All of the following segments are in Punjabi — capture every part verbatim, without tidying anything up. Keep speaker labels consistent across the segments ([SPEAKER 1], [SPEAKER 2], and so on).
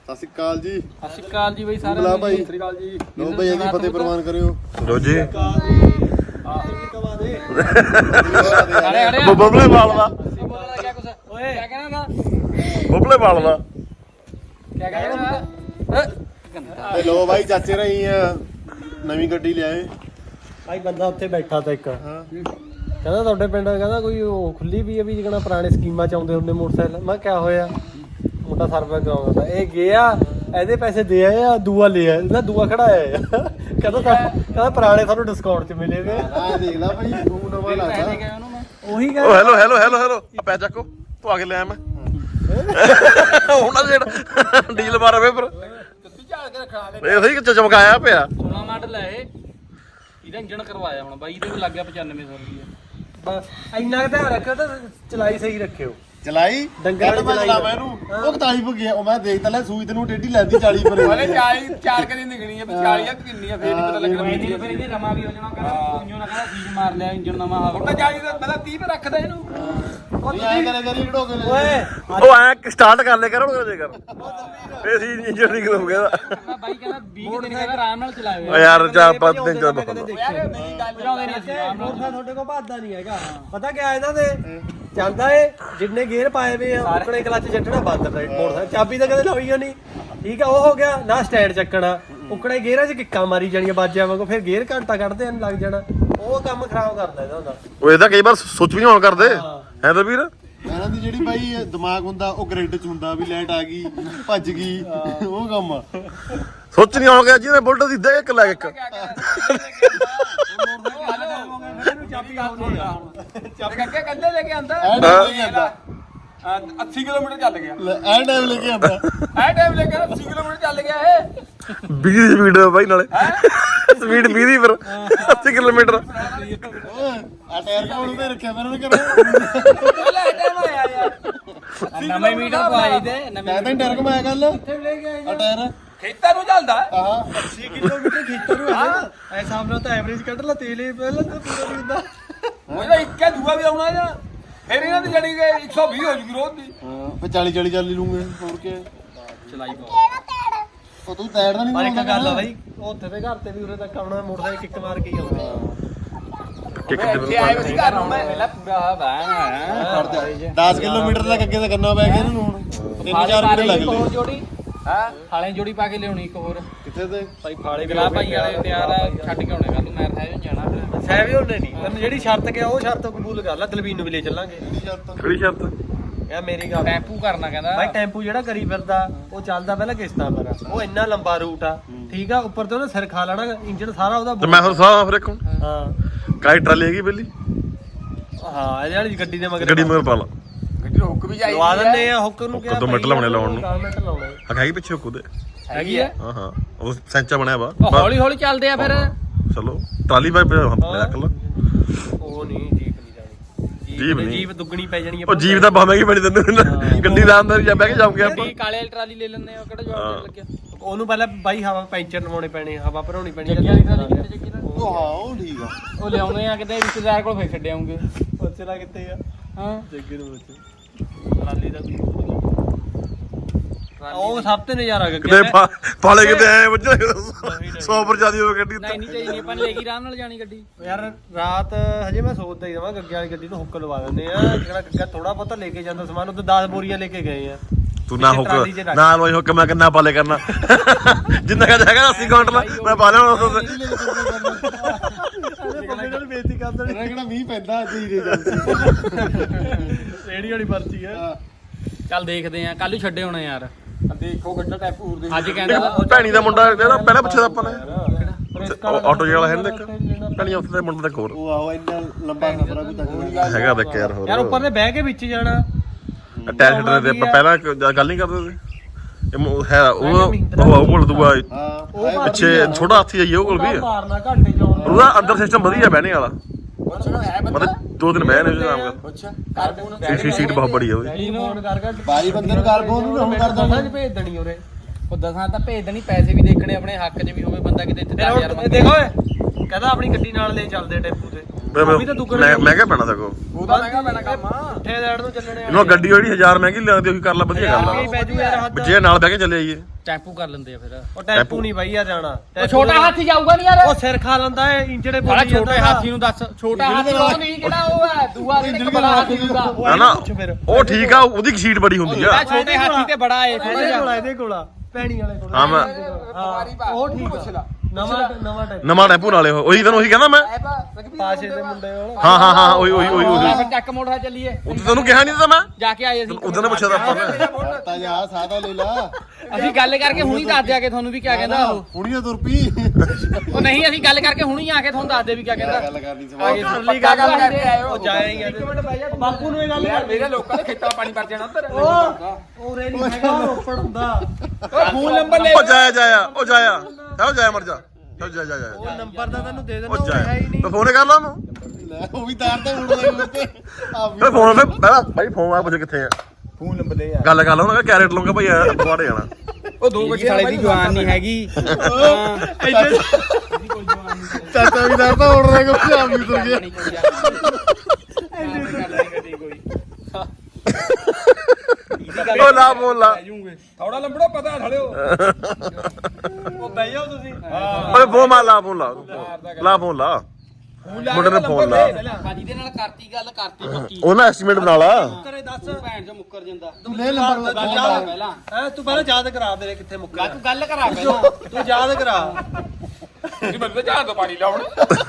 [SPEAKER 1] ਸਤਿ ਸ਼੍ਰੀ ਅਕਾਲ ਜੀ।
[SPEAKER 2] ਸਤਿ ਸ਼੍ਰੀ ਅਕਾਲ ਜੀ ਬਈ ਸਾਰਿਆਂ
[SPEAKER 1] ਨੂੰ
[SPEAKER 2] ਸਤਿ ਸ਼੍ਰੀ ਅਕਾਲ ਜੀ।
[SPEAKER 1] ਲੋ ਬਈ ਇਹਦੀ ਫਤਿਹ ਪ੍ਰਵਾਨ ਕਰਿਓ।
[SPEAKER 3] ਲੋ ਜੀ
[SPEAKER 2] ਅੜੇ ਅੜੇ
[SPEAKER 3] ਬਬਲੇ ਵਾਲ ਦਾ
[SPEAKER 2] ਬੋਲਦਾ ਕੀ ਕੁਛ ਓਏ ਕੀ ਕਹਿਣਾ ਦਾ
[SPEAKER 3] ਬਬਲੇ ਵਾਲ ਦਾ
[SPEAKER 2] ਕੀ ਕਹਿਣਾ
[SPEAKER 1] ਤੇ ਲੋ ਬਾਈ ਚਾਚੇ ਰਹੀ ਆ ਨਵੀਂ ਗੱਡੀ ਲਿਆਏ।
[SPEAKER 4] ਭਾਈ ਬੰਦਾ ਉੱਥੇ ਬੈਠਾ ਤਾਂ ਇੱਕ
[SPEAKER 1] ਹਾਂ
[SPEAKER 4] ਕਹਿੰਦਾ ਤੁਹਾਡੇ ਪਿੰਡ ਕਹਿੰਦਾ ਕੋਈ ਉਹ ਖੁੱਲੀ ਵੀ ਹੈ ਵੀ ਜਿਹੜਾ ਪੁਰਾਣੇ ਸਕੀਮਾਂ ਚ ਆਉਂਦੇ ਹੁੰਦੇ ਮੋਟਰਸਾਈਕਲ। ਮੈਂ ਕਿਹਾ ਹੋਇਆ ਮੁੰਡਾ ਸਰਵੇ ਕਰਾਉਂਦਾ ਇਹ ਗਿਆ ਇਹਦੇ ਪੈਸੇ ਦੇ ਆਏ ਆ ਦੂਆ ਲਿਆ ਇਹਦਾ ਦੂਆ ਖੜਾਇਆ ਕਹਿੰਦਾ ਕਹਿੰਦਾ ਪੁਰਾਣੇ ਸਾਨੂੰ ਡਿਸਕਾਊਂਟ ਚ ਮਿਲੇ ਵੇ।
[SPEAKER 1] ਆ ਦੇਖ ਲੈ ਭਾਈ ਤੂੰ ਨਵਾਂ ਲਾਦਾ
[SPEAKER 4] ਉਹੀ
[SPEAKER 3] ਓ
[SPEAKER 4] ਕਹਿੰਦਾ
[SPEAKER 3] ਹੈਲੋ ਹੈਲੋ ਹੈਲੋ ਹੈਲੋ ਪੈ ਚੱਕੋ ਤੂੰ ਆ ਕੇ ਲੈ ਮੈਂ ਉਹਨਾਂ ਜਿਹੜਾ ਡੀਲ ਮਾਰ ਵੇ ਪਰ ਇਹ ਸਹੀ ਕਿ ਚਮਕਾਇਆ ਪਿਆ
[SPEAKER 2] ਸੋਨਾ ਮਾਡਲ ਹੈ ਇਹ ਇਹਦਾ ਇੰਜਣ ਕਰਵਾਇਆ ਹੁਣ ਬਾਈ ਇਹਦੇ ਵੀ ਲੱਗ ਗਿਆ ਪਚਾਨਵੇਂ ਸੌ ਰੁਪਏ
[SPEAKER 4] ਬਸ ਇੰਨਾ ਕੁ ਧਿਆਨ ਰੱਖਿਓ ਤਾਂ ਚਲਾਈ ਸਹੀ ਰੱਖਿਓ।
[SPEAKER 1] ਚਲਾਈ
[SPEAKER 4] ਡੰਗਰ
[SPEAKER 1] ਕੱਲ ਮੈਂ
[SPEAKER 4] ਚਲਾਈ
[SPEAKER 1] ਚਲਾਵਾਂ ਇਹਨੂੰ ਉਹ ਇਕਤਾਲੀ ਪਰ ਗਿਆ ਉਹ ਮੈਂ ਦੇਖਦਾ ਲੈ ਸੂਈ ਤੈਨੂੰ ਟੇਢੀ ਲੈਂਦੀ ਚਾਲੀ ਪਰ
[SPEAKER 5] ਵਾਲੇ ਚਾਲੀ ਚਾਰ ਕਦੀ ਨਿਕਣੀ ਆ ਚਾਲੀ ਆ ਕਿੰਨੀ ਆ ਫੇਰ ਨਹੀਂ ਪਤਾ ਲੱਗਣਾ
[SPEAKER 2] ਨਹੀਂ ਫਿਰ ਇਹਦੇ ਰਮਾ ਵੀ ਹੋ ਜਾਣਾ ਕਹਿੰਦਾ ਇੰਜਣ ਨਾ ਕਹਿੰਦਾ ਸੀਜ ਮਾਰ ਲਿਆ ਇੰਜਣ ਨਵਾਂ
[SPEAKER 5] ਹੁਣ ਤਾਂ ਚਾਲੀ ਦਾ ਪਹਿਲਾਂ ਤੀਹ ਤੇ ਰੱਖਦਾ ਇਹਨੂੰ
[SPEAKER 1] ਨਹੀਂ ਆਇਆ ਕਰੇ ਕਰੀ ਢੋ ਕੇ ਲੈ
[SPEAKER 4] ਓਏ
[SPEAKER 3] ਉਹ ਐ ਸਟਾਰਟ ਕਰ ਲੈ ਕਰ ਉਹ ਜੇ ਕਰ ਇਹ ਸੀ ਇੰਜਨ ਨਹੀਂ ਹੋ ਗਿਆ
[SPEAKER 2] ਮੈਂ ਬਾਈ ਕਹਿੰਦਾ ਵੀਹ ਦਿਨ ਕਹਿੰਦਾ ਆਰਾਮ ਨਾਲ ਚਲਾਇਓ
[SPEAKER 3] ਓ ਯਾਰ ਚਾਰ ਪੰਜ ਦਿਨ ਚੱਲ
[SPEAKER 5] ਯਾਰ ਨਹੀਂ ਗੱਲ
[SPEAKER 2] ਭਜਾਉਂਦੇ ਨਹੀਂ ਅਸੀਂ ਆਰਾਮ ਨਾਲ
[SPEAKER 4] ਮੋਟਰਸਾਈਕਲ ਤੁਹਾਡੇ ਕੋਲ ਭੱਜਦਾ ਨਹੀਂ ਹੈਗਾ ਪਤਾ ਕਿਆ ਇਹਦਾ ਤੇ ਚੱਲਦਾ ਏ ਜਿੰਨੇ ਗੇਅਰ ਪਾਏ ਵੇ ਆ ਉਕਣੇ ਕਲੱਚ ਚੱਟਣਾ ਬੰਦ ਰਾਈਟ ਮੋਟਰਸਾਈਕਲ ਚਾਬੀ ਤਾਂ ਕਦੇ ਲਾਈ ਨਹੀਂ ਠੀਕ ਆ ਉਹ ਹੋ ਗਿਆ ਨਾ ਸਟੈਂਡ ਚੱਕਣਾ ਉਕਣੇ ਗੇਅਰਾਂ 'ਚ ਕਿੱਕਾਂ ਮਾਰੀ ਜਾਣੀਆਂ ਬਾਜਿਆਂ ਵਾਂਗੂ ਫਿਰ ਗੇਅਰ ਘੰਟਾ ਕੱਢਦੇ ਲੱਗ ਜਾਣਾ ਉਹ ਕੰਮ ਖਰਾਬ ਕਰਦਾ ਇਹਦਾ ਹੁੰਦਾ।
[SPEAKER 3] ਉਹ ਇਹਦਾ ਕਈ ਵਾਰ ਸੁੱਚ ਵੀ ਨਹੀਂ ਹੋਣ ਕਰਦੇ ਹੈ ਤਾਂ ਵੀਰ
[SPEAKER 1] ਇਹਨਾਂ ਦੀ ਜਿਹੜੀ ਬਾਈ ਦਿਮਾਗ ਹੁੰਦਾ ਉਹ ਗ੍ਰਿਡ ਚ ਹੁੰਦਾ ਵੀ ਲਾਈਟ ਆ ਗਈ ਭੱਜ ਗਈ ਉਹ ਕੰਮ ਆ।
[SPEAKER 3] ਸੁੱਚ ਨਹੀਂ ਹੋਣ ਗਿਆ ਜਿਹਨੇ ਬੁਲਟ ਦੀ ਦੇ ਇੱਕ ਲੈ ਇੱਕ
[SPEAKER 5] ਚਾਬੀ ਆਉਂਦੀ ਆ ਚਾਬੀ ਕਰਕੇ ਕੰਦੇ ਲੈ ਕੇ ਆਂਦਾ
[SPEAKER 1] ਐ ਟਾਈਮ ਲੈ ਕੇ ਆਂਦਾ
[SPEAKER 5] ਅੱਸੀ ਕਿਲੋਮੀਟਰ ਚੱਲ ਗਿਆ
[SPEAKER 1] ਲੈ, ਐ ਟਾਈਮ ਲੈ ਕੇ ਆਂਦਾ
[SPEAKER 5] ਐ ਟਾਈਮ ਲੈ ਕੇ ਅੱਸੀ ਕਿਲੋਮੀਟਰ ਚੱਲ ਗਿਆ ਇਹ
[SPEAKER 3] ਵੀਹ ਦੀ ਸਪੀਡ ਬਾਈ ਨਾਲੇ ਸਪੀਡ ਵੀਹ ਦੀ ਫਿਰ ਅੱਸੀ ਕਿਲੋਮੀਟਰ
[SPEAKER 1] ਆ ਟਾਇਰ ਕਾਉਣ ਤੇ ਰੱਖਿਆ ਮੈਨੂੰ ਕਰੋ
[SPEAKER 5] ਪਹਿਲਾਂ ਇਹ ਟਾਈਮ ਆਇਆ ਯਾਰ
[SPEAKER 2] ਨਵੇਂ ਮੀਟਰ ਪਾਈ ਤੇ
[SPEAKER 1] ਮੈਂ ਤਾਂ ਟਾਇਰ ਕਮਾਇਆ ਕੱਲ
[SPEAKER 4] ਕਿੱਥੇ ਲੈ ਕੇ ਆਏ
[SPEAKER 1] ਆ ਟਾਇਰ
[SPEAKER 5] ਖੇਤਾਂ ਨੂੰ ਚੱਲਦਾ
[SPEAKER 1] ਆਹ
[SPEAKER 4] ਅੱਸੀ ਕਿਲੋਮੀਟਰ ਖੇਤਰ ਨੂੰ ਹੈ ਐ ਸਾਹਮਣੇ ਤਾਂ ਐਵਰੇਜ ਕੱਢ ਲਾ ਤੇਲ ਹੀ ਪਹਿਲਾਂ ਤਾਂ ਪੂਰਾ ਨਹੀਂ ਹੁੰਦਾ
[SPEAKER 5] ਉਹਦਾ ਇੱਕੇ ਦੂਆ ਵੀ ਆਉਣਾ ਜਾਂ ਫਿਰ ਇਹਨਾਂ ਦੀ ਜਣੀ ਕਿ ਇੱਕ ਸੌ ਵੀਹ ਹੋ ਜੂਗੀ ਰੋਜ਼ ਦੀ
[SPEAKER 1] ਹਾਂ ਫੇ ਚਾਲੀ ਚਾਲੀ ਚੱਲ ਲੂੰਗੇ ਹੋਰ ਕੀ
[SPEAKER 2] ਚਲਾਈ ਪਾਓ
[SPEAKER 1] ਉਹ ਤੂੰ ਟਾਇਰ ਦਾ ਨਹੀਂ
[SPEAKER 4] ਪਰ ਇੱਕ ਗੱਲ ਆ ਬਾਈ ਉੱਥੇ ਦੇ ਘਰ ਤੇ ਵੀ ਉਰੇ ਤੱਕ ਆਉਣਾ ਮੋਟਰਸਾਈਕਲ ਕਿੱਕ ਮਾਰ ਕੇ ਹੀ ਆਉਂਦਾ
[SPEAKER 3] ਕਿੱਕ
[SPEAKER 5] ਇੱਥੇ ਆਏ ਵਸੀ ਘਰ ਨੂੰ ਮੈਂ
[SPEAKER 2] ਪਹਿਲਾਂ ਪੂਰਾ ਵੈਨ ਆਇਆ
[SPEAKER 1] ਦਸ ਕਿਲੋਮੀਟਰ ਤੱਕ ਅੱਗੇ ਤਾਂ ਕਰਨਾ ਪੈ ਗਿਆ ਇਹਨਾਂ ਨੂੰ ਹੁਣ ਤਿੰਨ ਚਾਰ ਮਿੰਟ ਲੱਗ
[SPEAKER 2] ਹੋਰ
[SPEAKER 1] ਗਏ
[SPEAKER 2] ਜੋੜੀ ਹਾਂ ਹਾਲੇ ਜੋੜੀ ਪਾ ਕੇ ਲਿਆਉਣੀ ਇੱਕ ਹੋਰ
[SPEAKER 1] ਕਿੱਥੇ ਤੇ
[SPEAKER 4] ਭਾਈ ਫਾਲੇ
[SPEAKER 2] ਗਲਾ ਭਾਈ ਵਾਲੇ ਤਿਆਰ ਆ ਛੱਡ ਕੇ ਆਉਣੇ ਕੱਲ ਨੂੰ ਮੈਂ ਰਹਿ ਜਾਣਾ ਫਿਰ
[SPEAKER 4] ਸਹਿ ਵੀ ਹੁੰਦੇ ਨਹੀਂ ਤੈਨੂੰ ਜਿਹੜੀ ਸ਼ਰਤ ਕਿਹਾ ਉਹ ਸ਼ਰਤ ਕਬੂਲ ਕਰ ਲੈ ਦਲਵੀਰ ਨੂੰ ਵੀ ਲੈ ਚੱਲਾਂਗੇ
[SPEAKER 3] ਕਿਹੜੀ ਸ਼ਰਤ
[SPEAKER 4] ਯਾ ਮੇਰੀ ਗੱਲ
[SPEAKER 2] ਟੈਂਪੂ ਕਰਨਾ ਕਹਿੰਦਾ
[SPEAKER 4] ਭਾਈ ਟੈਂਪੂ ਜਿਹੜਾ ਕਰੀ ਫਿਰਦਾ ਉਹ ਚੱਲਦਾ ਪਹਿਲਾਂ ਕਿਸ਼ਤਾਂ ਪਰ ਆ। ਉਹ ਇੰਨਾ ਲੰਬਾ ਰੂਟ ਆ ਠੀਕ ਆ ਉੱਪਰ ਤੇ ਉਹਨੇ ਸਿਰ ਖਾ ਲੈਣਾ ਇੰਜਨ ਸਾਰਾ ਉਹਦਾ
[SPEAKER 3] ਤੇ ਮੈਂ ਫਿਰ ਸਾਹ ਫਿਰ ਇੱਕ ਹੁਣ
[SPEAKER 4] ਹਾਂ
[SPEAKER 3] ਕਾਈ ਟਰਾਲੀ ਹੈਗੀ ਪਹਿਲੀ
[SPEAKER 4] ਹਾਂ ਇਹਦੇ ਵਾਲੀ ਗੱਡੀ ਦੇ ਮਗਰ
[SPEAKER 3] ਗੱਡੀ ਮਗਰ ਪਾ ਲਾ
[SPEAKER 5] ਗੱਡੀ ਰੁਕ ਵੀ ਜਾਈ
[SPEAKER 4] ਲਵਾ ਦਿੰਦੇ ਆ ਹੁੱਕ ਨੂੰ
[SPEAKER 3] ਹੁੱਕ ਦੋ ਮਿੰਟ ਲਾਉਣੇ ਲਾਉਣ ਨੂੰ।
[SPEAKER 4] ਦਸ ਮਿੰਟ ਲਾਉਣੇ
[SPEAKER 3] ਆ ਹੈਗੀ ਪਿੱਛੇ ਕੁਦੇ
[SPEAKER 2] ਹੈਗੀ ਆ
[SPEAKER 3] ਹਾਂ ਹਾਂ ਉਹ ਸੈਂਚਾ ਬਣਿਆ ਵਾ
[SPEAKER 2] ਉਹ ਹੌਲੀ ਹੌਲੀ ਚੱਲਦੇ ਆ ਫਿਰ
[SPEAKER 3] ਚਲੋ ਟਰਾਲੀ ਬਾਈ ਰੱਖ ਲਾ
[SPEAKER 4] ਉਹ ਨਹੀਂ ਜੀਪ ਨਹੀਂ ਜਾਣੀ
[SPEAKER 3] ਜੀਪ ਨਹੀਂ।
[SPEAKER 4] ਜੀਪ ਦੁੱਗਣੀ ਪੈ ਜਾਣੀ
[SPEAKER 3] ਉਹ ਜੀਪ ਦਾ ਭਾਵੇਂ ਕੀ ਬਣੀ ਤੈਨੂੰ ਗੱਡੀ ਦਾ ਅੰਦਰ ਜਾ ਬਹਿ ਕੇ ਜਾਉਂਗੇ ਆਪਾਂ
[SPEAKER 2] ਗੱਡੀ ਕਾਲੇ ਵਾਲੀ ਟਰਾਲੀ ਲੈ ਲੈਂਦੇ ਆ ਉਹ ਕਿਹੜਾ ਜਵਾਬ ਲੱਗਿਆ
[SPEAKER 4] ਉਹਨੂੰ ਪਹਿਲਾਂ ਬਾਈ ਹਵਾ ਪੈਂਚਰ ਲਵਾਉਣੇ ਪੈਣੇ ਹਵਾ ਭਰਾਉਣੀ ਪੈਣੀ
[SPEAKER 2] ਜੱਗੀ ਵਾਲੀ ਟਰਾਲੀ ਕਿੱਥੇ ਜੱਗੀ ਨਾਲ
[SPEAKER 1] ਉਹ ਹਾਂ ਉਹ ਠੀਕ ਆ
[SPEAKER 2] ਉਹ ਲਿਆਉਂਦੇ ਆ ਕਿਤੇ ਰਿਸ਼ਤੇਦਾਰ ਕੋਲ ਫੇਰ ਛੱਡ ਆਉਂਗੇ
[SPEAKER 4] ਉੱਥੇ ਲਾ ਕਿੱਥੇ ਆ
[SPEAKER 2] ਹਾਂ
[SPEAKER 4] ਜੱਗੇ ਨੂੰ ਉੱਥੇ ਟਰਾਲੀ ਦਾ ਉਹ ਸਭ ਤੇ ਨਜ਼ਾਰਾ ਆ
[SPEAKER 3] ਕਿਤੇ ਪਾਲੇ ਕਿਤੇ ਐ ਵੱਜੇ ਸੌ ਪਰ ਜਿਆਦੀ ਹੋ ਗੱਡੀ
[SPEAKER 2] ਨਹੀਂ ਨਹੀਂ ਚਾਹੀਦੀ ਆਪਾਂ ਲੈ ਗਈ ਆਰਾਮ ਨਾਲ ਜਾਣੀ ਗੱਡੀ
[SPEAKER 4] ਯਾਰ ਰਾਤ ਹਜੇ ਮੈਂ ਸੋਚਦਾ ਹੀ ਦਵਾਂ ਗੱਗੇ ਵਾਲੀ ਗੱਡੀ ਨੂੰ ਹੁੱਕ ਲਵਾ ਦਿੰਦੇ ਆ ਜਿਹੜਾ ਗੱਗਾ ਥੋੜਾ ਬਹੁਤਾ ਲੈ ਕੇ ਜਾਂਦਾ ਸਮਾਨ ਉਹ ਦਸ ਬੋਰੀਆਂ ਲੈ ਕੇ ਗਏ ਆ
[SPEAKER 3] ਤੂੰ ਨਾ ਹੁੱਕ ਨਾ ਲੋਈ ਹੁੱਕ ਮੈਂ ਕਿੰਨਾ ਪਾਲੇ ਕਰਨਾ ਜਿੰਨਾ ਕਾ ਜਾਏਗਾ ਅੱਸੀ ਕਾਊਂਟ ਲਾ ਮੈਂ ਪਾ ਲਿਆ
[SPEAKER 4] ਨਾਲ ਬੇਇੱਜ਼ਤੀ ਕਰ ਦੇਣੀ
[SPEAKER 1] ਇਹਨਾਂ ਕਿਹੜਾ ਮੀਂਹ ਪੈਂਦਾ ਅੱਜ ਹੀ ਦੇ ਚੱਲਦੇ
[SPEAKER 4] ਰੇੜੀ ਵਾਲੀ ਪਰਚੀ ਆ
[SPEAKER 2] ਚੱਲ ਦੇਖਦੇ ਆ ਕੱਲ ਹੀ ਛੱਡੇ ਹੋਣੇ ਯਾਰ
[SPEAKER 5] ਦੇਖੋ ਗੱਡਾ ਟੈਪੂਰ ਦੇ
[SPEAKER 2] ਅੱਜ ਕਹਿੰਦਾ
[SPEAKER 3] ਭੈਣੀ ਦਾ ਮੁੰਡਾ ਜਿਹੜਾ ਪਹਿਲਾਂ ਪੁੱਛਿਆ ਆਪਾਂ ਨੇ ਆਟੋ ਜਿਹੜਾ ਹੈ ਨਾ ਇੱਕ ਭੈਣੀ ਉੱਥੇ ਦੇ ਮੁੰਡੇ ਦਾ ਹੋਰ
[SPEAKER 1] ਉਹ ਆਓ ਇੰਨਾ ਲੰਬਾ ਸਫ਼ਰ ਆ ਕੋਈ ਤੱਕ
[SPEAKER 3] ਹੈਗਾ ਦੇਖ ਯਾਰ ਹੋਰ
[SPEAKER 4] ਯਾਰ ਉੱਪਰ ਤੇ ਬਹਿ ਕੇ ਵਿੱਚ ਜਾਣਾ
[SPEAKER 3] ਅਟੈਚ ਛੱਡਦੇ ਤੇ ਆਪਾਂ ਪਹਿਲਾਂ ਗੱਲ ਨਹੀਂ ਕਰਦੇ ਸੀ ਇਹ ਮ- ਹੈ ਉਹ ਉਹ ਉਹ ਕੋਲ ਦੂਆ
[SPEAKER 1] ਹਾਂ
[SPEAKER 3] ਪਿੱਛੇ ਛੋਟਾ ਹਾਥੀ ਆਈ ਉਹ ਕੋਲ ਵੀ ਆ
[SPEAKER 4] ਮਾਰਨਾ ਘੰਟੇ ਚ ਆਉਣਾ
[SPEAKER 3] ਉਹਦਾ ਅੰਦਰ ਸਿਸਟਮ ਵਧੀਆ ਬਹਿਣੇ ਵਾਲਾ
[SPEAKER 5] ਪੁੱਛਣਾ ਹੈ ਬੰਦਾ
[SPEAKER 3] ਮਤਲਬ ਦੋ ਦਿਨ ਬਹਿ ਨੇ ਉਹਦੇ ਨਾਲ
[SPEAKER 5] ਪੁੱਛ ਕਾਰਬਨ
[SPEAKER 3] ਸੀਟ ਸੀਟ ਬਹੁਤ ਬੜੀ ਆ ਉਹਦੀ
[SPEAKER 4] ਫੋਨ ਕਰ ਕਰ
[SPEAKER 1] ਬਾਈ ਬੰਦੇ ਨੂੰ ਕਰ ਫੋਨ ਨੂੰ ਹੁਣ ਕਰ
[SPEAKER 4] ਦਸਾਂ ਚ ਭੇਜ ਦੇਣੀ ਉਰੇ
[SPEAKER 2] ਉਹ ਦਸਾਂ ਤਾਂ ਭੇਜ ਦੇਣੀ ਪੈਸੇ ਵੀ ਦੇਖਣੇ ਆਪਣੇ ਹੱਕ 'ਚ ਵੀ ਹੋਵੇ ਬੰਦਾ ਕਿਤੇ ਇੱਥੇ ਦਸ ਹਜ਼ਾਰ
[SPEAKER 4] ਦੇਖੋ ਓਏ ਕਹਿੰਦਾ ਆਪਣੀ ਗੱਡੀ ਨਾਲ ਲੈ ਚੱਲਦੇ ਟੈਂਪੂ ਤੇ ਵੀ ਤਾਂ ਦੁੱਗਣੇ
[SPEAKER 3] ਮੈਂ ਮੈਂ ਕਿਹਾ ਪੈਣਾ ਸਗੋ
[SPEAKER 5] ਉਹਦਾ ਮਹਿੰਗਾ ਪੈਣਾ ਕੰਮ
[SPEAKER 4] ਉੱਠੇ ਲੈਣ ਨੂੰ ਚੱਲਣੇ ਆ
[SPEAKER 3] ਇਹਨੂੰ ਗੱਡੀ ਜਿਹੜੀ ਹਜ਼ਾਰ ਮਹਿੰਗੀ ਲੱਗਦੀ ਉਹੀ ਕਰ ਲਾ ਵਧੀਆ ਕਰ ਲਾ
[SPEAKER 4] ਪੈ ਜੂ ਯਾਰ ਹੱਦ
[SPEAKER 3] ਜੇ ਨਾਲ ਬਹਿ ਕੇ ਚੱਲੇ ਆਈਏ
[SPEAKER 2] ਟੈਂਪੂ ਕਰ ਲੈਂਦੇ ਆ ਫਿਰ
[SPEAKER 4] ਉਹ ਟੈਂਪੂ ਨਹੀਂ ਬਾਈ ਆ ਜਾਣਾ
[SPEAKER 2] ਉਹ ਛੋਟਾ ਹਾਥੀ ਜਾਊਗਾ ਨਹੀਂ ਯਾਰ
[SPEAKER 4] ਉਹ ਸਿਰ ਖਾ ਲੈਂਦਾ ਏ ਇੰਜੜੇ
[SPEAKER 2] ਬੜਾ
[SPEAKER 4] ਬੋਲੀ
[SPEAKER 2] ਛੋਟੇ ਹਾਥੀ ਨੂੰ ਦੱਸ ਛੋਟਾ ਹਾਥੀ ਉਹ ਨਹੀਂ ਕਿਹੜਾ ਉਹ ਹੈ ਦੂਆ ਜਿਹੜਾ ਬੜਾ ਹਾਥੀ ਹੁੰਦਾ
[SPEAKER 3] ਹੈ ਨਾ ਉਹ ਠੀਕ ਆ ਉਹਦੀ ਸੀਟ ਬੜੀ ਹੁੰਦੀ ਆ
[SPEAKER 2] ਛੋਟੇ ਹਾਥੀ ਤੇ ਬੜਾ ਏ ਥੋੜਾ
[SPEAKER 4] ਇਹਦੇ
[SPEAKER 2] ਜਿਹਾ
[SPEAKER 4] ਕੋਲ ਇਹਦੇ ਕੋਲ ਭੈਣੀ ਵਾਲੇ ਕੋਲ
[SPEAKER 3] ਹਾਂ ਮੈਂ
[SPEAKER 4] ਹਾਂ ਉਹ ਠੀਕ ਆ ਨਵਾਂ ਨਵਾਂ ਟੈਂਪੂ
[SPEAKER 3] ਨਵਾਂ ਟੈਂਪੂ ਨਾਲੇ ਉਹੀ ਤੈਨੂੰ ਉਹੀ ਕਹਿੰਦਾ ਮੈਂ
[SPEAKER 4] ਪਾਸ਼ੇ ਦੇ ਮੁੰਡੇ ਕੋਲ
[SPEAKER 3] ਹਾਂ ਹਾਂ ਹਾਂ ਉਹੀ ਉਹੀ ਉਹੀ ਉਹੀ
[SPEAKER 2] ਫਿਰ ਚੱਕ ਮੋਟਰ ਚੱਲੀਏ
[SPEAKER 3] ਉਹ ਤੈਨੂੰ ਕਿਹਾ ਨਹੀਂ ਤਾਂ ਮੈਂ
[SPEAKER 2] ਜਾ ਕੇ ਆਏ ਅਸੀਂ
[SPEAKER 3] ਉਦੋਂ ਨੇ ਪੁੱਛਿਆ ਤਾਂ ਆਪਾਂ ਨੇ
[SPEAKER 1] ਤਾਂ ਜਾ ਸਾਦਾ ਲੈ ਲਾ
[SPEAKER 2] ਅਸੀਂ ਗੱਲ ਕਰਕੇ ਹੁਣੀ ਦੱਸ ਦਿਆ ਕਿ ਤੁਹਾਨੂੰ ਵੀ ਕਿਆ ਕਹਿੰਦਾ ਉਹ
[SPEAKER 1] ਹੁਣੀਆਂ ਤੁਰ ਪਈ
[SPEAKER 2] ਉਹ ਨਹੀਂ ਅਸੀਂ ਗੱਲ ਕਰਕੇ ਹੁਣੀ ਆ ਕੇ ਤੁਹਾਨੂੰ ਦੱਸ ਦੇ ਵੀ ਕਿਆ ਕਹਿੰਦਾ
[SPEAKER 1] ਗੱਲ ਕਰਨੀ ਸਵਾਲ
[SPEAKER 4] ਅਗਲੀ ਗੱਲ ਕਰਕੇ ਆਇਓ ਉਹ ਜਾਏਗਾ ਇੱਕ ਮਿੰਟ ਬਹਿ ਜਾ ਬਾਪੂ ਨੂੰ ਇਹ ਗੱਲ
[SPEAKER 5] ਯਾਰ ਮੇਰੇ ਲੋਕਾਂ ਦੇ ਖੇਤਾਂ ਪਾਣੀ ਭਰ ਜਾਣਾ ਉੱਧਰ
[SPEAKER 4] ਉਹ ਉਰੇ ਨਹੀਂ ਹੈਗਾ ਰੋਪੜ ਹੁੰਦਾ
[SPEAKER 5] ਓਏ ਫੋਨ ਨੰਬਰ ਲੈ
[SPEAKER 3] ਉਹ ਜਾਇਆ ਜਾਇਆ ਉਹ ਜਾਇਆ ਉਹ ਜਾਇਆ ਮਰ ਜਾ ਜਾ ਜਾ ਜਾ
[SPEAKER 4] ਉਹ ਨੰਬਰ ਦਾ ਤੈਨੂੰ ਦੇ ਦੇਣਾ
[SPEAKER 3] ਉਹ
[SPEAKER 4] ਉਹ ਹੈ ਹੀ
[SPEAKER 3] ਜਾਇਆ
[SPEAKER 4] ਨਹੀਂ
[SPEAKER 3] ਮੈਂ ਫੋਨ ਕਰ ਲਾ ਉਹਨੂੰ
[SPEAKER 1] ਲੈ ਉਹ ਵੀ ਤਾਰ ਤੇ ਉੜਦਾ ਹੀ ਉੱਤੇ ਆ ਵੀ
[SPEAKER 3] ਓਏ ਫੋਨ ਤੇ ਪਹਿਲਾਂ ਭਾਈ ਫੋਨ ਆ ਪੁੱਛ ਕਿੱਥੇ ਆ
[SPEAKER 5] ਫੋਨ ਨੰਬਰ ਲੈ ਯਾਰ
[SPEAKER 3] ਗੱਲ ਕਰ ਲਾ ਉਹਨਾਂ ਦਾ ਕੈਰੇਟ ਲਊਂਗਾ ਭਾਈ ਪਵਾੜੇ ਜਾਣਾ
[SPEAKER 5] ਉਹ ਦੋ ਬੱਚੇ
[SPEAKER 2] ਸਾਲੇ ਦੀ ਜਵਾਨ ਨਹੀਂ ਹੈਗੀ
[SPEAKER 1] ਚਾਚਾ ਵੀ ਤਾਰ ਤਾਂ ਉੜ ਰਿਹਾ ਕੋਈ ਆ ਵੀ ਤੁਰ ਗਿਆ
[SPEAKER 3] ਉਹ ਲਾ ਬੋਲ ਲਾ
[SPEAKER 5] ਥੋੜਾ ਲੰਬੜਾ ਪਤਾ ਥੜਿਓ
[SPEAKER 4] ਉਹ ਬਹਿ ਜਾਓ ਤੁਸੀਂ
[SPEAKER 3] ਓਏ ਫੋਨ ਮਾਰ ਲਾ ਫੋਨ ਲਾ ਲਾ ਫੋਨ ਲਾ ਮੁੰਡੇ ਨੇ ਫੋਨ ਲਾ
[SPEAKER 2] ਬਾਜੀ ਦੇ ਨਾਲ ਕਰਤੀ ਗੱਲ ਕਰਤੀ ਪੱਕੀ
[SPEAKER 3] ਉਹਨਾਂ ਐਸਟੀਮੇਟ ਬਣਾ ਲਾ
[SPEAKER 4] ਕਰੇ ਦੱਸ
[SPEAKER 2] ਭੈਣ ਜੋ ਮੁੱਕਰ ਜਾਂਦਾ
[SPEAKER 1] ਤੂੰ ਲੈ ਨੰਬਰ
[SPEAKER 2] ਜਾ ਪਹਿਲਾਂ
[SPEAKER 4] ਹੈ ਤੂੰ ਪਹਿਲਾਂ ਯਾਦ ਕਰਾ ਮੇਰੇ ਕਿੱਥੇ ਮੁੱਕਾ
[SPEAKER 2] ਤੂੰ ਗੱਲ ਕਰਾ ਪਹਿਲਾਂ
[SPEAKER 4] ਤੂੰ ਯਾਦ ਕਰਾ
[SPEAKER 5] ਤੁਸੀਂ ਬੰਦੇ ਜਹਾਜ਼ ਤੋਂ ਪਾਣੀ ਲਾਉਣ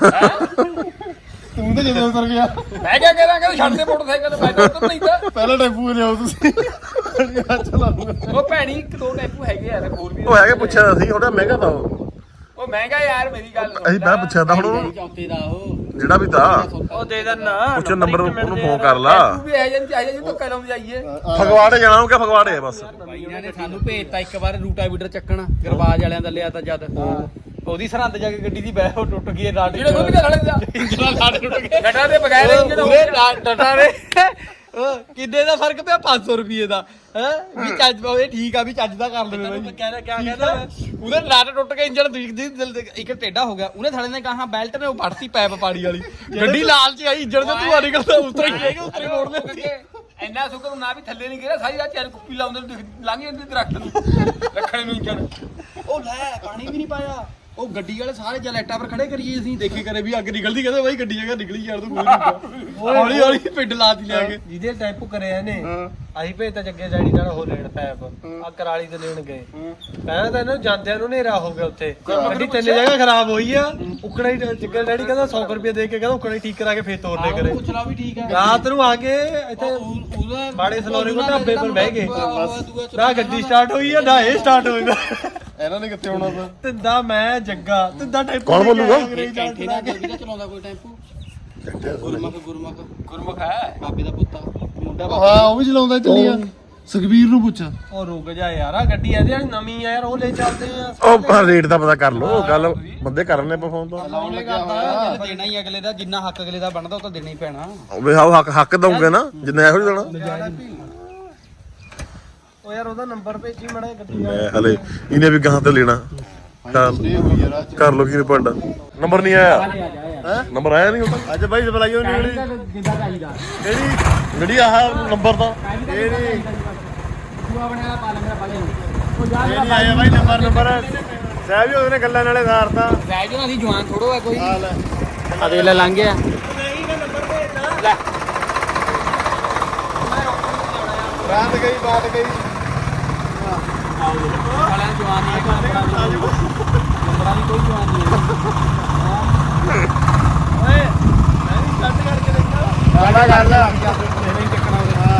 [SPEAKER 1] ਤੂੰ ਤਾਂ ਜਦੋਂ ਉਤਰ ਗਿਆ
[SPEAKER 5] ਮੈਂ ਕਿਆ ਕਰਾਂ ਕਿ ਛੱਡ ਦੇ ਮੋਟਰਸਾਈਕਲ ਮੈਂ ਤਾਂ ਉੱਤਰ ਨਹੀਂ ਤਾਂ
[SPEAKER 1] ਪਹਿਲਾਂ ਟੈਂਪੂ ਲਿਆਓ ਤੁਸੀਂ ਚਲਾਉਂਗਾ
[SPEAKER 5] ਉਹ ਭੈਣੀ ਇੱਕ ਦੋ ਟੈਂਪੂ ਹੈਗੇ ਯਾਰ ਹੋਰ ਵੀ
[SPEAKER 3] ਉਹ ਹੈਗੇ ਪੁੱਛਿਆ ਸੀ ਥੋੜਾ ਮਹਿੰਗਾ ਤਾਂ ਉਹ
[SPEAKER 5] ਉਹ ਮਹਿੰਗਾ ਯਾਰ ਮੇਰੀ ਗੱਲ ਸੁਣ।
[SPEAKER 3] ਅਸੀਂ ਮੈਂ ਪੁੱਛਿਆ ਤਾਂ ਹੁਣ ਉਹਨੂੰ,
[SPEAKER 2] ਚੌਥੇ ਦਾ ਉਹ
[SPEAKER 3] ਜਿਹੜਾ ਵੀ ਤਾਂ
[SPEAKER 4] ਉਹ ਦੇ ਦੇਣਾ
[SPEAKER 3] ਪੁੱਛ ਨੰਬਰ ਉਹਨੂੰ ਫੋਨ ਕਰ ਲਾ
[SPEAKER 5] ਤੂੰ ਵੀ ਇਹ ਜਨ ਚਾਹੀਏ ਜੀ ਧੱਕਾ ਲਾਉਂ ਜਾਈਏ
[SPEAKER 3] ਫਗਵਾੜੇ ਜਾਣਾ ਉਹ ਕਿ ਫਗਵਾੜੇ ਆ ਬਸ
[SPEAKER 2] ਬਾਈ ਇਹਨਾਂ ਨੇ ਸਾਨੂੰ ਭੇਜਤਾ ਇੱਕ ਵਾਰ ਰੂਟਾਵੀਟਰ ਚੱਕਣ ਗਰਬਾਜ ਵਾਲਿਆਂ ਦਾ ਲਿਆ ਤਾਂ ਜਦ ਉਹਦੀ ਸਰਹੰਦ ਜਾ ਕੇ ਗੱਡੀ ਦੀ ਬੈਹ ਉਹ ਟੁੱਟ ਗਈ ਰਾਡ
[SPEAKER 5] ਜਿਹੜੇ ਖੁੱਲ ਕੇ ਖੜੇ ਜਾ
[SPEAKER 2] ਇੰਜਣਾ ਲਾੜ ਟੁੱਟ ਗਿਆ
[SPEAKER 5] ਗੱਡਾ ਦੇ ਬਗੈਰ ਇੰਜਣ
[SPEAKER 2] ਪੂਰੇ ਡਟਾ ਰੇ ਕਿੰਨੇ ਦਾ ਫਰਕ ਪਿਆ ਪੰਜ ਸੌ ਰੁਪਏ ਦਾ ਹੈ ਵੀ ਚੱਜ ਇਹ ਠੀਕ ਆ ਵੀ ਚੱਜ ਦਾ ਕਰ ਲਵੇ ਬਾਈ
[SPEAKER 4] ਕਹਿੰਦਾ ਕਿਆ ਕਹਿੰਦਾ
[SPEAKER 2] ਉਹਦੇ ਲੱਟ ਟੁੱਟ ਕੇ ਇੰਜਣ ਦੀ ਦਿਲ ਤੇ ਇੱਕ ਟੇਢਾ ਹੋ ਗਿਆ ਉਹਨੇ ਥਾਲੇ ਨੇ ਕਹਾ ਬੈਲਟ ਨੇ ਉਹ ਵੜਤੀ ਪੈਪ ਪਾੜੀ ਵਾਲੀ ਗੱਡੀ ਲਾਲ ਚ ਆਈ ਇੰਜਣ ਤੇ ਧੂਆ ਨਿਕਲਦਾ ਉਤਰ ਹੀ ਜਾਏਗਾ ਉਤਰ ਹੀ ਮੋੜ ਦੇ
[SPEAKER 5] ਇੰਨਾ ਸੁਕਰ ਨਾ ਵੀ ਥੱਲੇ ਨਹੀਂ ਗਿਰਿਆ ਸਾਰੀ ਰਾਤ ਚੱਲ ਕੁੱਪੀ ਲਾਉਂਦੇ ਨੂੰ ਲੰਘ ਜਾਂਦੀ ਦਰਖਤ ਨੂੰ ਰੱਖਣੇ ਨੂੰ ਇੰਜਣ
[SPEAKER 2] ਉਹ ਲੈ ਪਾਣੀ ਵੀ ਨਹੀਂ ਪਾਇਆ ਉਹ ਗੱਡੀ ਵਾਲੇ ਸਾਰੇ ਜਲੈਟਾਂ ਪਰ ਖੜੇ ਕਰੀਏ ਅਸੀਂ ਦੇਖੇ ਕਰੇ ਵੀ ਅੱਗ ਨਿਕਲਦੀ ਕਹਿੰਦੇ ਬਾਈ ਗੱਡੀ ਜਗ੍ਹਾ ਨਿਕਲੀ ਯਾਰ ਤੂੰ ਕੋਈ ਹੌਲੀ ਹੌਲੀ ਪਿੰਡ ਲਾਤੀ ਲਿਆ ਕੇ
[SPEAKER 4] ਜਿਹਦੇ ਟੈਂਪੂ ਕਰਿਆ ਇਹਨੇ ਅਸੀਂ ਭੇਜਤਾ ਜੱਗੇ ਜੈੜੀ ਨਾਲ ਉਹ ਲੈਣ ਪੈਪ ਆ ਕਰਾਲੀ ਤੇ ਲੈਣ ਗਏ ਪਹਿਲਾਂ ਤਾਂ ਇਹਨੂੰ ਜਾਂਦਿਆਂ ਨੂੰ ਹਨੇਰਾ ਹੋ ਗਿਆ ਉੱਥੇ ਗੱਡੀ ਤਿੰਨ ਜਗ੍ਹਾ ਖਰਾਬ ਹੋਈ ਆ ਉਕੜਾ ਹੀ ਜੱਗੇ ਡੈਡੀ ਕਹਿੰਦਾ ਸੌ ਰੁਪਏ ਦੇ ਕੇ ਕਹਿੰਦਾ ਉਕੜਾ ਹੀ ਠੀਕ ਕਰਾ ਕੇ ਫੇਰ ਤੋਰਨੇ ਕਰੇ
[SPEAKER 2] ਪੁੱਛਣਾ ਵੀ ਠੀਕ ਹੈ
[SPEAKER 4] ਰਾਤ ਨੂੰ ਆ ਕੇ ਇੱਥੇ
[SPEAKER 2] ਉਹਦਾ
[SPEAKER 4] ਬਾੜੇ ਸਲੋਰੇ ਕੋ ਢਾਬੇ ਪਰ ਬਹਿ ਗਏ ਨਾ ਗੱਡੀ ਸਟਾਰਟ ਹੋਈ ਆ ਨਾ ਇਹ ਸਟਾਰਟ ਹੋਏਗਾ
[SPEAKER 1] ਇਹਨਾਂ ਨੇ ਕਿੱਥੇ ਆਉਣਾ ਤਾਂ
[SPEAKER 4] ਤਿੰਦਾ ਮੈਂ ਜੱਗਾ ਤਿੰਦਾ ਟੈਂਪੂ
[SPEAKER 3] ਕੌਣ ਬੋਲੂਗਾ?
[SPEAKER 2] ਕੈਂਠੇ ਦਾ ਜਲਦੀ ਦਾ ਚਲਾਉਂਦਾ ਕੋਈ ਟੈਂਪੂ ਗੁਰਮੁਖ ਗੁਰਮੁਖ
[SPEAKER 5] ਗੁਰਮੁਖ ਹੈ
[SPEAKER 2] ਬਾਬੇ ਦਾ ਪੁੱਤਾ ਮੁੰਡਾ
[SPEAKER 1] ਹਾਂ ਉਹ ਵੀ ਚਲਾਉਂਦਾ ਚੱਲੀਆਂ ਸੁਖਬੀਰ ਨੂੰ ਪੁੱਛ
[SPEAKER 4] ਉਹ ਰੁਕ ਜਾ ਯਾਰ ਆ ਗੱਡੀ ਇਹਦੇ ਵਾਲੀ ਨਵੀਂ ਆ ਯਾਰ ਉਹ ਲੈ ਚੱਲਦੇ ਆ
[SPEAKER 3] ਉਹ ਰੇਟ ਦਾ ਪਤਾ ਕਰ ਲਓ ਗੱਲ ਬੰਦੇ ਕਰਨੇ ਆਪਾਂ ਫੋਨ ਤੋਂ
[SPEAKER 1] ਲਾਉਣ ਲੱਗਿਆ
[SPEAKER 2] ਚੱਲ ਦੇਣਾ ਹੀ ਅਗਲੇ ਦਾ ਜਿੰਨਾ ਹੱਕ ਅਗਲੇ ਦਾ ਬਣਦਾ ਉਹ ਤਾਂ ਦੇਣਾ ਹੀ ਪੈਣਾ
[SPEAKER 3] ਵੇ ਆਹ ਹੱਕ ਹੱਕ ਦਊਂਗੇ ਨਾ ਜਿੰਨਾ ਇਹੋ ਜਿਹਾ ਦੇਣਾ
[SPEAKER 4] ਉਹ ਯਾਰ ਉਹਦਾ ਨੰਬਰ ਭੇਜੀ ਮੜਾ ਗੱਡੀ ਦਾ
[SPEAKER 3] ਮੈਂ ਹਲੇ ਇਹਨੇ ਵੀ ਗਾਂ ਤੇ ਲੈਣਾ ਕਰ
[SPEAKER 1] ਹੋਈ ਯਾਰ ਅੱਜ
[SPEAKER 3] ਕਰ ਲੋ ਕੀ ਪੰਡਾ ਨੰਬਰ ਨਹੀਂ ਆਇਆ ਨੰਬਰ ਆਇਆ ਨਹੀਂ ਹੁਣ
[SPEAKER 1] ਅੱਜ ਬਾਈ ਸਪਲਾਈਓ ਨਹੀਂ ਜਿਹੜੀ
[SPEAKER 2] ਜਿੰਦਾ ਚਾਹੀਦਾ
[SPEAKER 1] ਕਿਹੜੀ
[SPEAKER 3] ਜਿਹੜੀ ਆਹ ਨੰਬਰ ਦਾ
[SPEAKER 1] ਇਹ ਨਹੀਂ
[SPEAKER 2] ਤੂੰ ਬਣਿਆ ਪਾ ਲੈ ਮੇਰਾ ਪਾ ਲੈ ਉਹ ਜਾ
[SPEAKER 1] ਇਹ ਨਹੀਂ ਆਇਆ ਬਾਈ ਨੰਬਰ ਨੰਬਰ ਸਾਹਿਬ ਜੀ ਉਹਨੇ ਗੱਲਾਂ ਨਾਲੇ ਸਾਰਤਾ
[SPEAKER 2] ਰਹਿ ਜੋ ਅਸੀਂ ਜਵਾਨ ਥੋੜੋ ਹੈ ਕੋਈ
[SPEAKER 1] ਆ ਲੈ
[SPEAKER 2] ਆ ਦੇ ਲੈ ਲੰਘ ਗਿਆ
[SPEAKER 4] ਨਹੀਂ ਮੈਂ ਨੰਬਰ ਭੇਜਦਾ
[SPEAKER 2] ਲੈ
[SPEAKER 1] ਰਾਤ ਗਈ ਬਾਤ ਗਈ
[SPEAKER 2] ਵਾਲਿਆਂ ਜਵਾਨ ਨਹੀਂ ਹੈ ਨੰਬਰਾਂ ਦੀ ਕੋਈ ਜਵਾਨ ਨਹੀਂ ਹੈ
[SPEAKER 4] ਓਏ ਮੈਂ ਵੀ ਸਟਾਰਟ ਕਰਕੇ ਦੇਖਾਂ
[SPEAKER 1] ਸਾਡਾ ਗੱਲ ਆ
[SPEAKER 2] ਤੇਰੇ ਹੀ ਚੱਕਣਾ ਉਹਦੇ
[SPEAKER 1] ਹਾਂ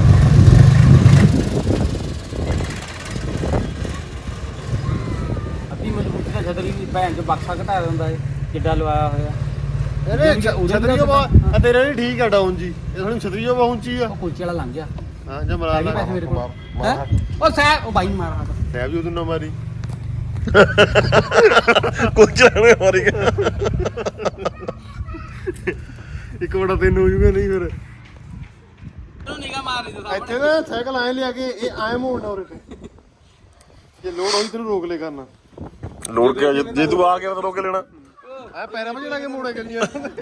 [SPEAKER 2] ਅੱਧੀ ਮਜ਼ਬੂਤੀ ਦਾ ਛਤਰੀ ਵੀ ਭੈਣ ਚ ਬਕਸਾ ਘਟਾ ਦਿੰਦਾ ਏ ਕਿੱਡਾ ਲਵਾਇਆ ਹੋਇਆ
[SPEAKER 1] ਇਹਨੇ ਛਤਰੀਓ ਬਹੁਤ ਆ ਤੇਰੇ ਨਹੀਂ ਠੀਕ ਆ ਡਾਊਨ ਜੀ ਇਹ ਥੋੜੀ ਛਤਰੀਓ ਪਹੁੰਚੀ ਆ
[SPEAKER 2] ਉਹ ਕੁਲਚੇ ਵਾਲਾ ਲੰਘ ਗਿਆ
[SPEAKER 1] ਹਾਂ ਜੇ ਮਰਾ
[SPEAKER 2] ਹੈਗੇ
[SPEAKER 1] ਲਾ
[SPEAKER 2] ਪੈਸੇ ਮੇਰੇ ਕੋਲ ਹੈ ਉਹ ਸਹਿ ਉਹ ਬਾਈ ਮਾਰ ਹੱਥ
[SPEAKER 1] ਸਾਹਿਬ ਜੀ ਉਹਨੂੰ ਨਾ ਮਾਰੀ
[SPEAKER 3] ਕੁਝ ਜਾਣੇ ਮਾਰੀ ਗਿਆ
[SPEAKER 1] ਇੱਕ ਵੜਾ ਤੈਨੂੰ ਹੋ ਜੂਗਾ ਨਹੀਂ ਫਿਰ
[SPEAKER 2] ਤੂੰ ਨਿਗਾ ਮਾਰ ਰਹੀ ਤੂੰ
[SPEAKER 1] ਇੱਥੇ ਨਾ ਸਾਈਕਲ ਐ ਲਿਆ ਕੇ ਇਹ ਐ ਮੋੜਨਾ ਉਰੇ ਤੇ ਜੇ ਲੋਡ ਹੋਈ ਤੈਨੂੰ ਰੋਕ ਲੈ ਕਰਨਾ
[SPEAKER 3] ਲੋੜ ਕੇ ਜੇ ਜੇ ਤੂੰ ਆ ਗਿਆ ਤਾਂ ਰੋਕ ਕੇ ਲੈਣਾ
[SPEAKER 1] ਆ ਪੈਰਾਂ ਵਿੱਚ ਲਾ ਕੇ ਮੋੜੇ ਕਰੀਆਂ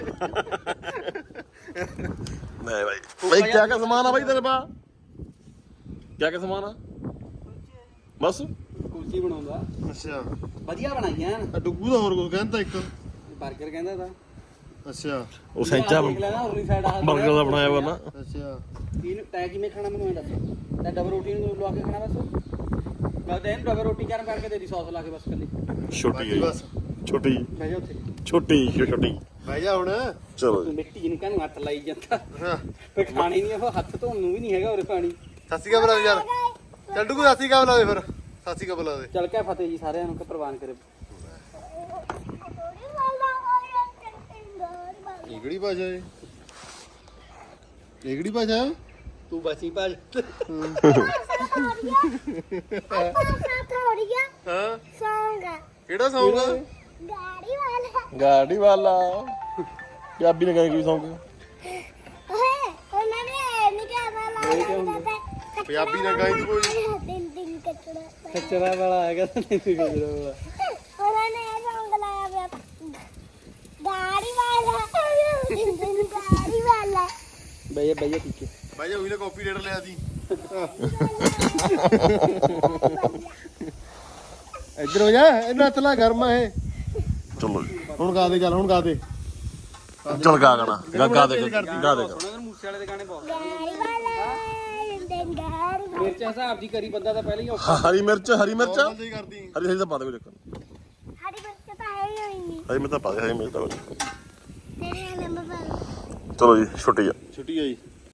[SPEAKER 3] ਨਹੀਂ ਭਾਈ ਭਾਈ ਕਿਆ ਕਿਆ ਸਮਾਨ ਆ ਭਾਈ ਤੇਰੇ ਪਾ ਕਿਆ ਕਿਆ ਸਮਾਨ ਆ ਬਸ
[SPEAKER 2] ਕੁਲਚੀ ਬਣਾਉਂਦਾ
[SPEAKER 1] ਅੱਛਾ
[SPEAKER 2] ਵਧੀਆ ਬਣਾਈਆਂ
[SPEAKER 1] ਆ ਡੁੱਗੂ ਦਾ ਹੋਰ ਕੁਝ ਕਹਿੰਦਾ ਇੱਕ
[SPEAKER 2] 버ਗਰ ਕਹਿੰਦਾ ਤਾਂ
[SPEAKER 1] ਅੱਛਾ
[SPEAKER 3] ਉਹ ਸੈਂਚਾ
[SPEAKER 2] ਦੇਖ ਲੈਣਾ ਉਰਲੀ ਸਾਈਡ ਆ
[SPEAKER 3] ਬਰਗਰ ਦਾ ਬਣਾਇਆ ਵਾ ਨਾ
[SPEAKER 1] ਅੱਛਾ
[SPEAKER 2] ਇਹਨੂੰ ਤੈ ਕਿਵੇਂ ਖਾਣਾ ਮੈਨੂੰ ਇਹ ਦੱਸ ਤੈ ਡਬਲ ਰੋਟੀ ਨੂੰ ਲਵਾ ਕੇ ਖਾਣਾ ਬਸ ਮੈਂ ਤਾਂ ਇਹਨੂੰ ਡਬਲ ਰੋਟੀ ਗਰਮ ਕਰਕੇ ਦੇ ਦੀ ਸੌਸ ਲਾ ਕੇ ਬਸ ਕੱਲੀ
[SPEAKER 3] ਛੋਟੀ ਹੈ
[SPEAKER 1] ਬਸ
[SPEAKER 3] ਛੋਟੀ
[SPEAKER 2] ਬਹਿ ਜਾ ਉੱਥੇ
[SPEAKER 3] ਛੋਟੀ ਛੋਟੀ
[SPEAKER 1] ਬਹਿ ਜਾ ਹੁਣ
[SPEAKER 3] ਚਲੋ
[SPEAKER 2] ਤੂੰ ਮਿੱਟੀ ਨੂੰ ਕਾਹਨੂੰ ਹੱਥ ਲਾਈ ਜਾਂਦਾ
[SPEAKER 1] ਹਾਂ
[SPEAKER 2] ਫੇ ਖਾਣੀ ਨਹੀਂ ਉਹ ਹੱਥ ਧੋਣ ਨੂੰ ਵੀ ਨਹੀਂ ਹੈਗਾ ਉਰੇ ਪਾਣੀ
[SPEAKER 1] ਸਾਸੀ ਕਾ ਬੁਲਾ ਯਾਰ ਚੱਲ ਡੁੱਗੂ ਸਾਸੀ ਕਾ ਬੁਲਾ ਦੇ ਫਿਰ ਸਾਸੀ ਕਾ ਬੁਲਾ ਦੇ
[SPEAKER 2] ਚੱਲ ਕੇ ਫਤਿਹ ਜੀ ਸਾਰਿਆਂ ਨੂੰ ਕਿ ਪ੍ਰਵਾਨ ਕਰੇ
[SPEAKER 1] ਇਹ ਕਿਹੜੀ ਭਾਸ਼ਾ ਹੈ ਇਹ ਕਿਹੜੀ ਭਾਸ਼ਾ ਹੈ
[SPEAKER 2] ਤੂੰ ਬਚੀ ਭਾਜ
[SPEAKER 1] ਹਾਂ
[SPEAKER 6] ਸੌਂਗਾ
[SPEAKER 1] ਕਿਹੜਾ ਸੌਂਗ ਆ
[SPEAKER 6] ਗਾੜੀ ਵਾਲਾ
[SPEAKER 3] ਗਾੜੀ ਵਾਲਾ ਪੰਜਾਬੀ ਨੇ ਕਹਿੰਦੇ ਕੀ ਸੌਂਗ
[SPEAKER 6] ਓਏ ਉਹਨਾਂ ਨੇ ਨਹੀਂ ਕਹਿਣਾ ਲਾਇਆ
[SPEAKER 1] ਪੰਜਾਬੀ ਨਾਲ ਗਾਈ ਤੂੰ ਕੋਈ
[SPEAKER 6] ਦਿਨ ਦਿਨ ਕਚੜਾ
[SPEAKER 2] ਖੱਚਰਾ ਵਾਲਾ ਹੈਗਾ ਤਾਂ ਨਹੀਂ ਖੱਚਰਾ ਵਾਲਾ
[SPEAKER 6] ਉਹਨਾਂ ਨੇ ਇਹ ਸੌਂਗ ਲਾਇਆ ਪਿਆ ਗਾੜੀ ਵਾਲਾ ਦਿਨ ਦਿਨ ਗਾੜੀ ਵਾਲਾ
[SPEAKER 2] ਬਈਏ ਬਈਏ ਠੀਕ ਹੈ
[SPEAKER 1] ਭਾਈ ਉਹੀ ਨੇ ਕਾਪੀ ਰੇਟ ਲਿਆ ਸੀ ਇੱਧਰ ਹੋ ਜਾ ਇਹਨਾਂ ਹੱਥ ਲਾ ਗਰਮਾ ਇਹ
[SPEAKER 3] ਚਲੋ ਜੀ
[SPEAKER 1] ਹੁਣ ਗਾ ਦੇ ਚੱਲ ਹੁਣ ਗਾ ਦੇ
[SPEAKER 3] ਚਲ ਗਾ ਗਾਣਾ ਗਾ ਗਾ ਦੇ ਗਾ ਦੇ
[SPEAKER 2] ਸੁਣਾ ਮੂਸੇ ਵਾਲੇ ਦੇ ਗਾਣੇ ਬਹੁਤ
[SPEAKER 6] ਗਾੜੀ ਵਾਲਾ ਦਿਨ ਦਿਨ ਗਾੜੀ ਵਾਲਾ
[SPEAKER 2] ਮਿਰਚ ਹਿਸਾਬ ਦੀ ਕਰੀ ਬੰਦਾ ਤਾਂ ਪਹਿਲਾਂ ਹੀ ਔਖਾ
[SPEAKER 3] ਹਰੀ ਮਿਰਚ ਹਰੀ ਮਿਰਚ
[SPEAKER 1] ਬੰਦ ਹੀ ਕਰਦੀ
[SPEAKER 3] ਹਰੀ ਹਰੀ ਤਾਂ ਪਾ ਦੇ ਕੋਈ ਚੱਕਰ
[SPEAKER 6] ਹਰੀ ਬੱਚਾ ਤਾਂ ਹੈ ਹੀ ਨਹੀਂ
[SPEAKER 3] ਹਰੀ ਮਿਰਚ ਤਾਂ ਪਾ ਦੇ ਹਰੀ ਮਿਰਚ ਤਾਂ
[SPEAKER 6] ਤੇਰੇ ਨੰਬਰ
[SPEAKER 3] ਚਲੋ ਜੀ ਛੁੱਟੀ ਆ
[SPEAKER 1] ਛੁੱਟੀ ਆਈ